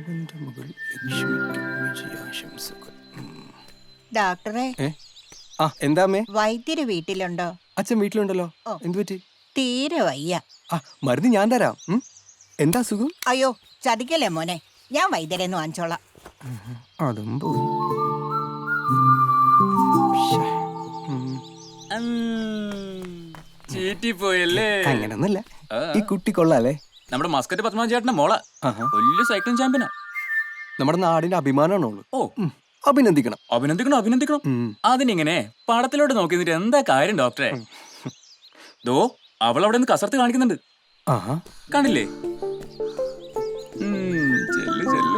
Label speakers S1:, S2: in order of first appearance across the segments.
S1: അവന്റെ മകൾ ലക്ഷ്മിക്ക് വിജയാശംസകൾ.
S2: ഡോക്ടറെ,
S1: ആ എന്താ അമ്മേ?
S2: വൈദ്യര് വീട്ടിലുണ്ടോ?
S1: അച്ഛൻ വീട്ടിലുണ്ടല്ലോ. എന്തു പറ്റി?
S2: തീരെ വയ്യ.
S1: ആ മരുന്ന് ഞാൻ തരാം. എന്താ സുഖം?
S2: അയ്യോ, ചതിക്കല്ലേ മോനെ, ഞാൻ വൈദ്യരെന്ന് വാങ്ങിച്ചോളാം.
S1: അതും പോയി.
S3: ചീറ്റിപ്പോയല്ലേ?
S1: അങ്ങനൊന്നല്ല, ഈ കുട്ടി കൊള്ളാല്ലേ.
S3: നമ്മുടെ മസ്കറ്റ് പത്മനാഭ ചേട്ടന്റെ മോള വലിയ സൈക്ലിംഗ് ചാമ്പ്യനാ.
S1: നമ്മുടെ നാടിന്റെ അഭിമാനമാണ് അവള്.
S3: ഓ,
S1: അഭിനന്ദിക്കണം.
S3: അഭിനന്ദിക്കണം അഭിനന്ദിക്കണം. അതിനിങ്ങനെ പടത്തിലോട്ട് നോക്കി നിന്നിട്ട് എന്താ കാര്യം ഡോക്ടറെ? ദോ അവളവിടെ നിന്ന് കസർത്ത് കാണിക്കുന്നുണ്ട്. കണ്ടില്ലേ? ചെല്ല് ചെല്ല്.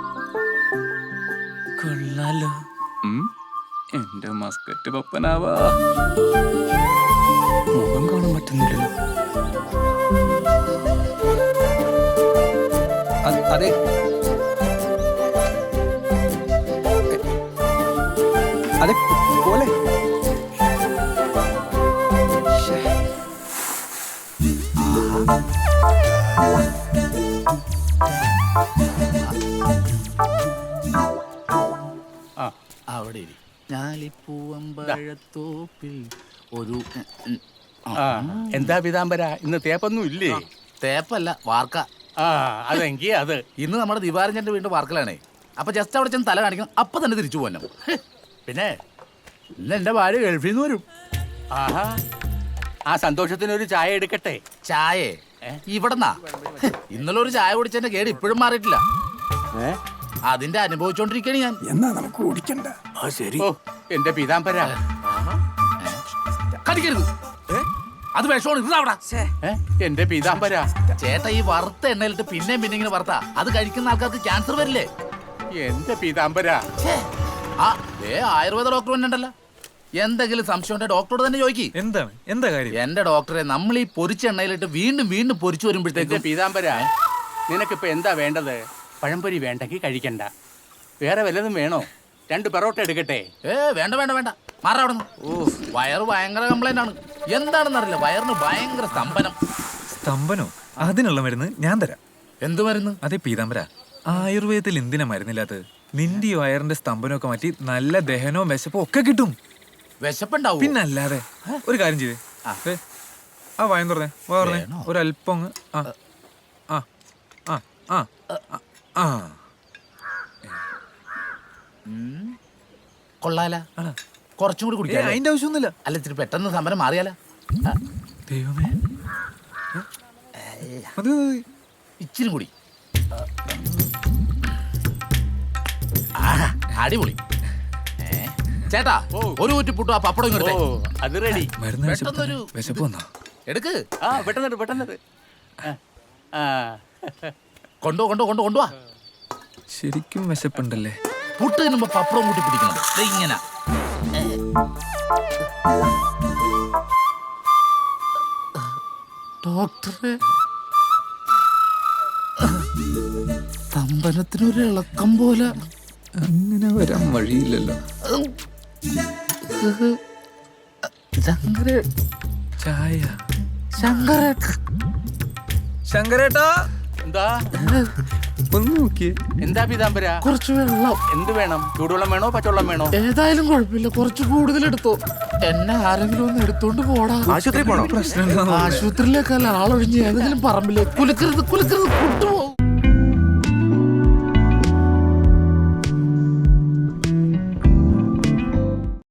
S3: കൊള്ളാലോ. എന്റെ മസ്കറ്റ് പപ്പനാവാ.
S1: മുഖം കാണാൻ പറ്റുന്നില്ലല്ലോ. അതെ, അതെ പോലെ.
S4: അവിടെ ഞാലിപ്പൂവമ്പഴത്തോപ്പിൽ ഒരു
S5: എന്താ പീതാംബര, ഇന്ന് തേപ്പൊന്നും ഇല്ലേ?
S4: തേപ്പല്ല, വാർക്ക.
S5: അതെങ്കി അത്
S4: ഇന്ന് നമ്മുടെ ദിവാരഞ്ജന്റെ വീണ്ടും വാർക്കലാണേ. അപ്പൊ ജസ്റ്റ് അവിടെ ചെന്ന് തല കാണിക്കണം, അപ്പൊ തന്നെ തിരിച്ചു പോകണം. പിന്നെ ഇന്ന് എന്റെ ഭാര്യ ഗൾഫിൽ നിന്ന് വരും.
S5: ആഹാ, ആ സന്തോഷത്തിനൊരു ചായ എടുക്കട്ടെ.
S4: ചായ ഇവിടെന്നാ? ഇന്നലെ ഒരു ചായ കുടിച്ചെന്റെ കേട് ഇപ്പോഴും മാറിയിട്ടില്ല. അതിന്റെ അനുഭവിച്ചോണ്ടിരിക്കണേ ഞാൻ.
S1: എന്നാ നമുക്ക് ഓടിക്കണ്ട.
S5: ശരി. ഓ എന്റെ പീതാംബര,
S4: കടിക്കരുത്, അത് വിഷമാണ്. ഇരുന്നവിടെ.
S5: എന്റെ പീതാംബര.
S4: ചേട്ടാ, ഈ വറുത്ത എണ്ണയിലിട്ട് പിന്നെയും പിന്നെ ഇങ്ങനെ വറുത്ത അത് കഴിക്കുന്ന ആൾക്കാർക്ക് ക്യാൻസർ വരില്ലേ?
S5: എന്റെ പീതാംബര.
S4: ആയുർവേദ ഡോക്ടർ തന്നെ ഉണ്ടല്ലോ. എന്തെങ്കിലും സംശയം ഉണ്ടെ ഡോക്ടറോട് തന്നെ ചോദിക്കും.
S6: എന്താണ്, എന്താ കാര്യം?
S4: എന്റെ ഡോക്ടറെ, നമ്മൾ ഈ പൊരിച്ച എണ്ണയിലിട്ട് വീണ്ടും വീണ്ടും പൊരിച്ചു വരുമ്പോഴത്തേക്ക്.
S5: പീതാംബര, നിനക്കിപ്പോ എന്താ വേണ്ടത്? പഴംപൊരി വേണ്ടെങ്കിൽ കഴിക്കണ്ട. വേറെ വല്ലതും വേണോ? 2 പെറോട്ട എടുക്കട്ടെ?
S4: വേണ്ട വേണ്ട വേണ്ട, മാറാ അവിടെ നിന്ന്. വയറ് ഭയങ്കര കംപ്ലൈന്റ് ആണ്. എന്താണെന്നറിയില്ല, വയറിന് ഭയങ്കര സ്തംഭനം.
S6: സ്തംഭനോ? അതിനുള്ള മരുന്ന് ഞാൻ തരാം.
S4: എന്ത് മരുന്ന്?
S6: അതെ പീതാംബര, ആയുർവേദത്തിൽ എന്തിനാ മരുന്നില്ലാത്തത്? നിന്റെ ഈ വയറിന്റെ സ്തംഭനമൊക്കെ മാറ്റി നല്ല ദഹനവും വിശപ്പും ഒക്കെ കിട്ടും.
S4: വിശപ്പുണ്ടാവും?
S6: പിന്നല്ലാതെ. ഒരു കാര്യം ചെയ്തേ, ആ വായം തുറന്നേ, പറഞ്ഞേ, ഒരല്പം ആ ആ ആ ആ ആ.
S4: കൊള്ളാല, കുറച്ചും കൂടി കുടിക്കാം.
S6: അതിന്റെ ആവശ്യമൊന്നുമില്ല.
S4: അല്ല, ഇത്തിരി പെട്ടെന്ന് സമരം മാറിയാല.
S6: ദൈവമേ,
S4: ഇച്ചിരി കൂടി. അടിപൊളി. ചേട്ടാ, ഒരു കുറ്റി പുട്ടു ആ പപ്പടം ഇങ്ങോട്ട്.
S5: അത് റെഡി.
S6: മരുന്ന് വിശപ്പ് വന്നാ
S4: എടുക്ക്.
S5: പെട്ടെന്ന് പെട്ടെന്ന്.
S4: കൊണ്ടുവാ.
S6: ശരിക്കും വിശപ്പുണ്ടല്ലേ?
S4: പുട്ട് തിന്നുമ്പോ പപ്പടം കൂട്ടി പിടിക്കണം. ഇങ്ങനെ ഡോക്ടറെ, സ്തംഭനത്തിനൊരു ഇളക്കം പോലെ.
S6: അങ്ങനെ വരാൻ വഴിയില്ലല്ലോ. ചായ. ശങ്കരേട്ടാ,
S5: എന്താ?
S6: ഒന്ന് നോക്കിയേ.
S5: എന്താ പീതാംബര?
S4: കുറച്ച് വെള്ളം.
S5: എന്ത് വേണം? ചൂടുവെള്ളം വേണോ പച്ചവെള്ളം വേണോ?
S4: ഏതായാലും കുഴപ്പമില്ല, കുറച്ച് കൂടുതൽ എടുത്തോ. എന്നെ ആരെങ്കിലും ഒന്ന് എടുത്തോണ്ട് പോടാ.
S1: ആശുപത്രി പോണോ?
S6: പ്രശ്നം
S4: ആശുപത്രിയിലേക്കല്ല, ആളൊഴിഞ്ഞ് ഏതെങ്കിലും പറമ്പിലേക്ക്. കുലുക്കരുത് കുലുക്കരുത്, കൊണ്ടുപോകും.